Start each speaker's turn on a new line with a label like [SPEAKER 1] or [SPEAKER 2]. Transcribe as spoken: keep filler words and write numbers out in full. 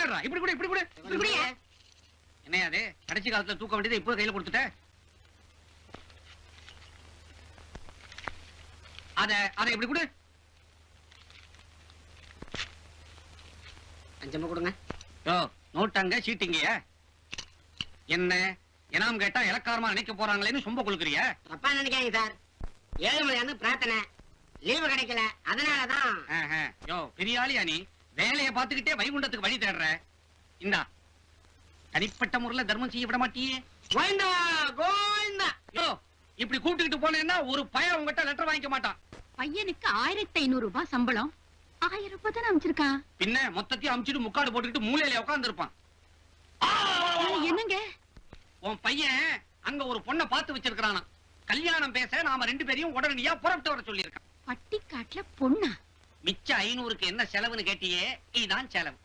[SPEAKER 1] விளையாடுறா. இப்படி கூட இப்படி கூட என்ன அது? கடைசி காலத்துல தூக்க வேண்டியதை இப்போ கையில கொடுத்துட்ட. அத அத இப்படி கூட
[SPEAKER 2] அஞ்சமா கொடுங்க.
[SPEAKER 1] யோ நோட்டாங்க சீட்டிங்க. என்ன எனாம் கேட்டா இலக்காரமா நினைக்க போறாங்களேன்னு சொம்ப கொடுக்குறிய.
[SPEAKER 2] தப்பா நினைக்காதீங்க சார். ஏழுமலையான்னு பிரார்த்தனை, லீவு கிடைக்கல, அதனாலதான்.
[SPEAKER 1] யோ பெரிய ஆளியா நீ? வேலையை பார்த்துக்கிட்டே வைகுண்டத்துக்கு வழி தேடுற. இந்தா தனிப்பட்ட முறையில தர்மம் செய்ய விட மாட்டியே.
[SPEAKER 2] கோவிந்தா கோவிந்தா.
[SPEAKER 1] யோ இப்படி கூப்பிட்டுக்கிட்டு போனேன்னா ஒரு பையன் உங்ககிட்ட லெட்டர் வாங்கிக்க மாட்டான்.
[SPEAKER 3] பையனுக்கு ஆயிரத்தி ஐநூறு ரூபாய் சம்பளம். ஆயிரம் ரூபாய் தானே அமைச்சிருக்கான்.
[SPEAKER 1] பின்ன மொத்தத்தையும் அமிச்சிட்டு முக்காடு போட்டுக்கிட்டு மூலையில உட்கார்ந்து இருப்பான்.
[SPEAKER 3] என்னங்க
[SPEAKER 1] உன் பையன் அங்க ஒரு பொண்ணை பார்த்து வச்சிருக்கானா. கல்யாணம் பேச நாம ரெண்டு பேரையும் உடனடியா புறப்பட்டு வர சொல்லியிருக்கான்.
[SPEAKER 3] பட்டிக்காட்டுல பொண்ணா?
[SPEAKER 1] மிச்ச ஐநூறுக்கு என்ன செலவுன்னு கேட்டியே, இதுதான் செலவு.